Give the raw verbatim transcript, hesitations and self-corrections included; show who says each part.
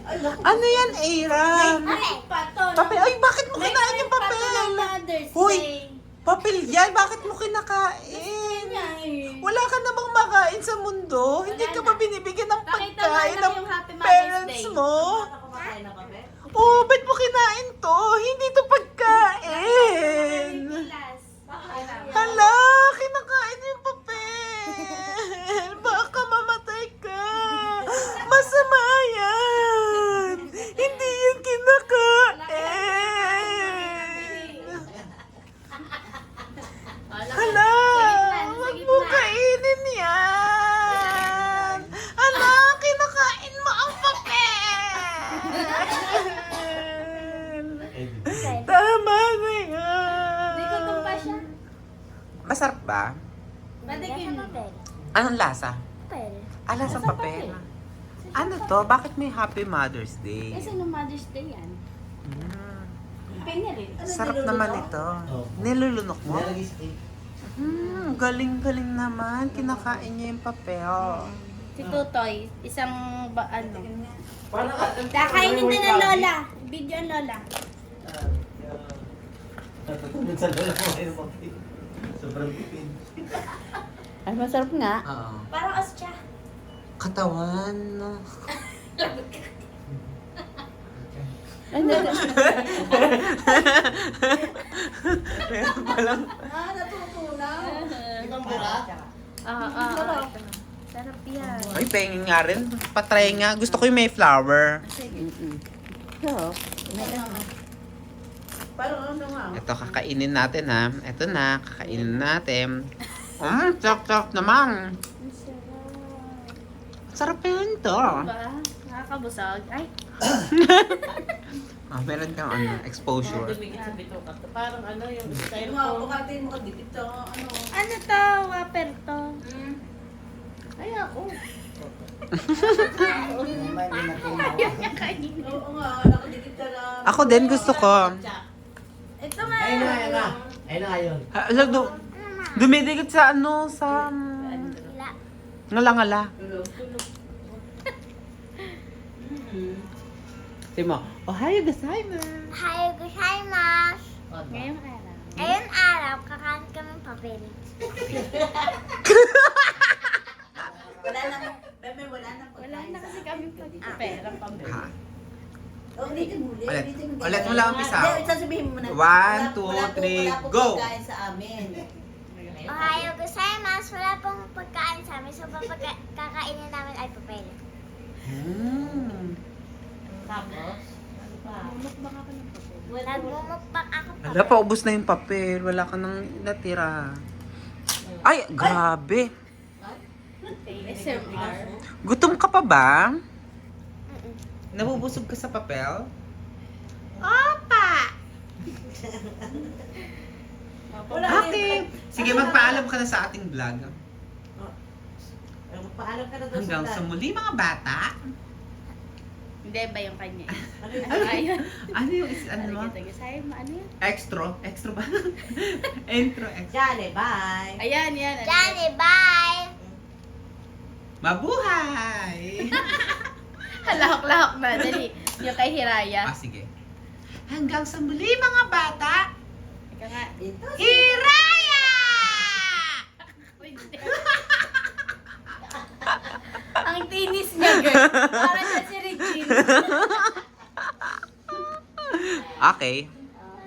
Speaker 1: Ano yan, Aaron?
Speaker 2: Ay, pato.
Speaker 1: Papel. Ay, bakit mo kinain yung papel? Hoy, papel yan. Bakit mo kinakain? Wala ka na bang makain sa mundo? Hindi ka ba binibigyan ng
Speaker 2: Pakita
Speaker 1: pagkain
Speaker 2: mo lang
Speaker 1: ng
Speaker 2: yung Happy Mother's
Speaker 1: parents
Speaker 2: Day.
Speaker 1: mo? Oh, ba't mo kinain to? Hindi to pagkain. Hala, kinakain yung papel. Baka mamatay ka. Masama yan. Hindi yan kinakain. Hala, wag mo kainin yan. Hala, kinakain mo ang papel. Tama na yan.
Speaker 2: Hindi ko tumpa siya.
Speaker 1: Masarap ba?
Speaker 2: Madikin.
Speaker 1: Anong lasa?
Speaker 3: Papel.
Speaker 1: Ah, lasang papel. Ano to? Bakit may Happy Mother's Day?
Speaker 2: Kasi no Mother's Day yan.
Speaker 1: Mm,
Speaker 2: Pinilit.
Speaker 1: sarap naman ito. Nilulunok mo? Hmm, galing-galing naman. Kinakain niya yung papel.
Speaker 2: Si Tutoy, isang ba, ano.
Speaker 4: Parang
Speaker 2: Kakainin na ng Lola. Video ang Lola.
Speaker 4: Natutulog sa lola ko ngayon papel. Sobrang tipid.
Speaker 2: Ay, masarap nga.
Speaker 1: Oo.
Speaker 2: Parang ostya.
Speaker 1: Katawan, no?
Speaker 2: Ano?
Speaker 1: Meron palang...
Speaker 2: Ah, natutunaw.
Speaker 4: Ibang bura?
Speaker 2: Ah, ah, ah. Sarap yan.
Speaker 1: Ay, pengin nga rin. Patry nga. Gusto ko yung may flower.
Speaker 2: Sige. So,
Speaker 4: Parang ano nga?
Speaker 1: Ito, kakainin natin ha. Ito na, kakainin natin. Mm, sarap-sarap naman.
Speaker 2: ang sarap.
Speaker 1: Sarap yun to.
Speaker 2: Diba? Nakakabusog. Ay,
Speaker 1: Ah, meron kang ano, exposure.
Speaker 4: Dumigit sa bituka. Parang ano yung style
Speaker 5: Mga
Speaker 4: ko.
Speaker 5: pukatin mo kadikit to, ano.
Speaker 2: ano to? Waper to.
Speaker 4: Ay ako.
Speaker 2: Ayaw niya kainin.
Speaker 5: Oo nga, nakadikit ka lang.
Speaker 1: Ako din gusto ko.
Speaker 2: Ito nga.
Speaker 4: Ayun na, ayun na. Ayun na, ayun.
Speaker 1: Ha, alam, du- dumidikit sa ano, sa... um,
Speaker 3: Wala.
Speaker 1: Ngala-ngala.
Speaker 5: Tulog, tulog.
Speaker 1: Sabi mo, Ohayo gozaimasu.
Speaker 3: Hayo gozaimasu.
Speaker 2: Ngayong araw.
Speaker 3: Ngayon araw, kakain kami ng papel.
Speaker 5: Wala na, bebe, wala na.
Speaker 2: Wala na kasi kami pa dito. Pera pang
Speaker 1: Ha?
Speaker 5: Oh, ulitin mo,
Speaker 1: Ulit.
Speaker 5: ulitin mo.
Speaker 1: Ulit mo lang umpisa.
Speaker 5: Hindi, sasabihin mo na.
Speaker 1: One,
Speaker 5: Wala-
Speaker 1: two,
Speaker 5: wala po-
Speaker 1: three,
Speaker 5: wala po
Speaker 1: go!
Speaker 5: pagkain sa amin.
Speaker 3: Ohayo gozaimasu. Wala pong pagkain sa amin. So, papagka- kakainin namin ay papel.
Speaker 1: Hmm.
Speaker 4: Tapos, ano pa?
Speaker 2: Mukbang ako ng papel.
Speaker 3: Nagmumukbang ako papel.
Speaker 1: Hala, paubos na yung papel. Wala ka nang natira. Ay, grabe.
Speaker 2: S M R.
Speaker 1: Gutom ka pa ba?
Speaker 3: Mm-mm.
Speaker 1: Nabubusog ka sa papel?
Speaker 3: Opa!
Speaker 1: Okay. Sige, magpaalam ka na sa ating vlog.
Speaker 5: Paalam ka na doon
Speaker 1: Hanggang sa
Speaker 5: vlog.
Speaker 1: muli, mga bata.
Speaker 2: Hindi ba yung kanya?
Speaker 5: Ano yun?
Speaker 2: Ano ayun?
Speaker 1: Ano yung is, ano mo?
Speaker 2: Sige, sige. Ano yan?
Speaker 1: Extra? Extra ba? Intro, extra.
Speaker 5: Jale, bye.
Speaker 2: Ayan, yan. Ano
Speaker 3: Johnny, bye!
Speaker 1: Mabuhay!
Speaker 2: Lahok-lahok na. Dali. Yung kay Hiraya.
Speaker 1: Ah, sige. Hanggang sa muli, mga bata.
Speaker 2: Ika nga.
Speaker 5: Ito.
Speaker 1: Hiraya!
Speaker 2: Ang tinis niya, girl. Para siya si Regine.
Speaker 1: Okay.